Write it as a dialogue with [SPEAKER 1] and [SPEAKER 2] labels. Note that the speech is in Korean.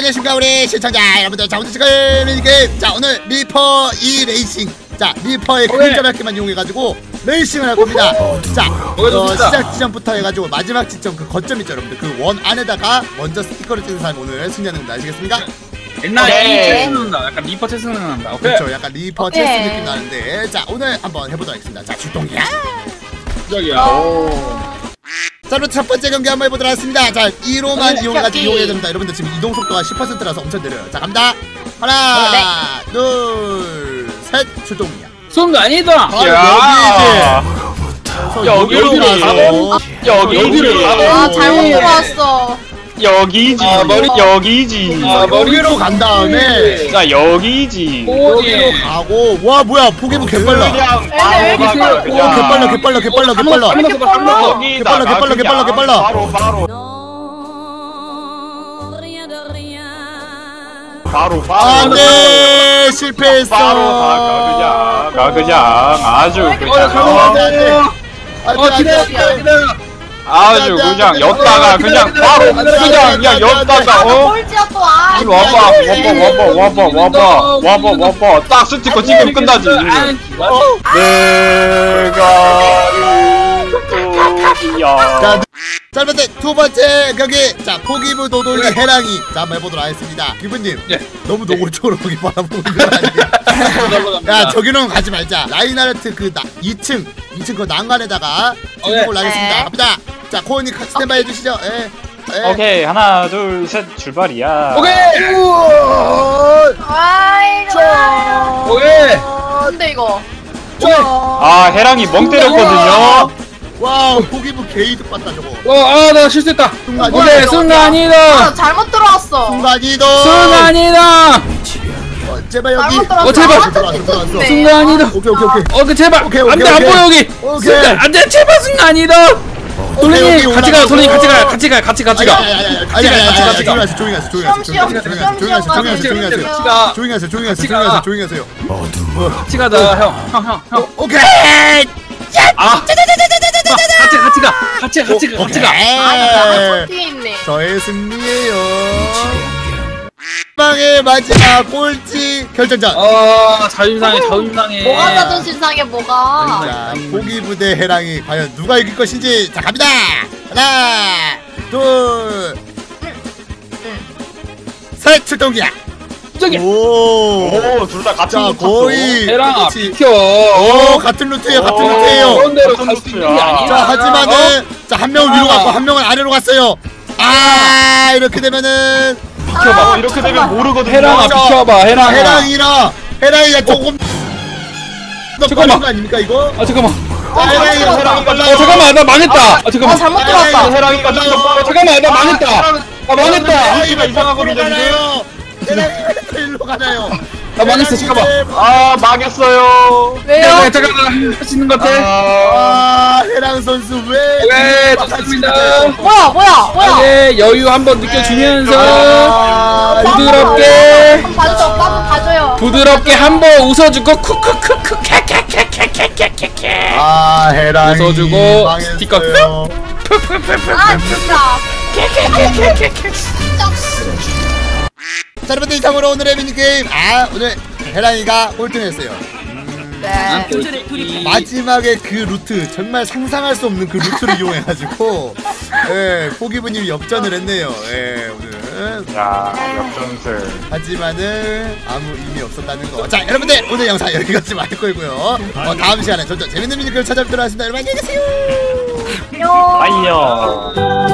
[SPEAKER 1] 안녕하십니까 우리 시청자 여러분들. 자 오늘 지금 미니게임, 자 오늘 리퍼 2 레이싱, 자 리퍼의 그림자 밝기만 이용해가지고 레이싱을 할 겁니다. 자 시작 지점부터 해가지고 마지막 지점 그 거점 있죠 여러분들, 그 원 안에다가 먼저 스티커를 찍는 사람이 오늘 승리하는 겁니다. 아시겠습니까?
[SPEAKER 2] 옛날 체스 생각난다. 약간 리퍼 체스 생각난다.
[SPEAKER 1] 그렇죠, 약간 리퍼 체스 느낌 나는데, 자 오늘 한번 해보도록 하겠습니다. 자 출동이야.
[SPEAKER 2] 시작이야.
[SPEAKER 1] 자 그럼 첫 번째 경기 한번 해보도록 하겠습니다. 자 1호만 이용해야 됩니다. 여러분들 지금 이동 속도가 10%라서 엄청 느려요. 자 갑니다. 하나 둘 셋 출동이야.
[SPEAKER 2] 순간이다.
[SPEAKER 1] 여기로 가서
[SPEAKER 2] 여기를
[SPEAKER 3] 아 잘못 들어왔어.
[SPEAKER 2] 여기지. 여기지.
[SPEAKER 1] 여기로 간 다음에
[SPEAKER 2] 자 여기지.
[SPEAKER 1] 여기로 가고. 와 뭐야 포기부 개빨라. 개빨라.
[SPEAKER 2] 바로
[SPEAKER 1] 안돼 실패했어.
[SPEAKER 2] 바로 그냥 아주 그냥 아주 그냥 엿다가 그냥 바로 그냥 엿다가
[SPEAKER 3] 꼴찌야 또. 아
[SPEAKER 2] 와봐 딱 스티커 찍으면 끝나지. 내가 야.
[SPEAKER 1] 자 그런데 두 번째 경기, 자 포기부 노돌리 해랑이. 자 한번 해보도록 하겠습니다. 기부님 너무 노골적으로 거기 바라보는 거 아니야? 야 저기는 가지 말자. 라인하르트 그 2층 그 난간에다가 진입을 하겠습니다. 갑니다. 자 코어님 스탠바이 해주시죠.
[SPEAKER 2] 오케이 하나 둘 셋 출발이야.
[SPEAKER 3] 아이고.
[SPEAKER 2] 오케이.
[SPEAKER 3] 근데 이거.
[SPEAKER 2] 아 해랑이 멍 때렸거든요.
[SPEAKER 1] 와우 포기부 게이드 봤다 저거.
[SPEAKER 2] 나 실수했다.
[SPEAKER 3] 순간이동. 아 잘못 들어왔어.
[SPEAKER 2] 순간이동.
[SPEAKER 1] 제발 여기.
[SPEAKER 2] 제발.
[SPEAKER 1] 들어왔어.
[SPEAKER 2] 순간이동.
[SPEAKER 1] 오케이.
[SPEAKER 2] 제발. 안돼 안 보여 여기. 안돼 제발 순간이동. 돌리님 같이 가. 돌리님 같이 가.
[SPEAKER 1] 조용히 하세요.
[SPEAKER 2] 같이 가자 형.
[SPEAKER 1] 오케이.
[SPEAKER 2] 같이 가.
[SPEAKER 3] 아 뒤에 있네.
[SPEAKER 1] 저의 승리예요. 빵의 마지막 꼴찌 결정전.
[SPEAKER 2] 자존심상해.
[SPEAKER 3] 뭐가 자존심 상해 뭐가.
[SPEAKER 1] 자 포기부 대 해랑이 과연 누가 이길 것인지. 자 갑니다. 하나 둘 셋 출동이야. 오
[SPEAKER 2] 둘 다 같이
[SPEAKER 1] 자 거의
[SPEAKER 2] 해랑아 비켜.
[SPEAKER 1] 같은 루트예요.
[SPEAKER 2] 그런 대로 갈 수 있는 게 아니야.
[SPEAKER 1] 자 하지만은 자 한 명은 위로 갔고 한 명은 아래로 갔어요. 아 이렇게 되면은
[SPEAKER 2] 비켜봐. 이렇게 되면 모르거든. 해랑아 비켜봐.
[SPEAKER 1] 해랑이가 조금 더 빠른 거 아닙니까 이거?
[SPEAKER 2] 잠깐만.
[SPEAKER 1] 해랑이가 빨라요.
[SPEAKER 2] 잠깐만 나 망했다. 잠깐만.
[SPEAKER 3] 잘못 들어왔다.
[SPEAKER 2] 해랑이가 잠깐만 나 망했다. 망했다.
[SPEAKER 1] 해랑이가 이상하거든요. 해랑이가 일로 가나요?
[SPEAKER 2] 나 망했어. 잠깐만. 망했어요.
[SPEAKER 3] 왜요?
[SPEAKER 2] 잠깐만 할 수 있는 것 같아.
[SPEAKER 1] 해랑 선수
[SPEAKER 2] 왜 좋습니다.
[SPEAKER 3] 뭐야?
[SPEAKER 2] 네, 여유 한번 느껴주면서 부드럽게
[SPEAKER 3] 한번 봐줘. 한번 봐줘요.
[SPEAKER 2] 부드럽게 한번 웃어주고 쿠쿠쿠쿠 캐캐캐캐캐캐캐캐.
[SPEAKER 1] 해랑이
[SPEAKER 2] 웃어주고
[SPEAKER 1] 망했어요.
[SPEAKER 2] 스티커
[SPEAKER 3] 아 진짜.
[SPEAKER 1] 자 여러분들 이상으로 오늘의 미니게임, 오늘 해랑이가 꼴등했어요.
[SPEAKER 3] 네.
[SPEAKER 1] 마지막에 그 루트 정말 상상할 수 없는 그 루트를 이용해가지고 포기부님이 역전을 했네요. 오늘
[SPEAKER 2] 야 역전승.
[SPEAKER 1] 하지만은 아무 의미 없었다는 거. 자 여러분들 오늘 영상 여기까지 마칠 거고요. 다음 시간에 점점 재밌는 미니게임 찾아뵙도록 하겠습니다. 여러분 안녕히 계세요.
[SPEAKER 3] 안녕.
[SPEAKER 2] 안녕.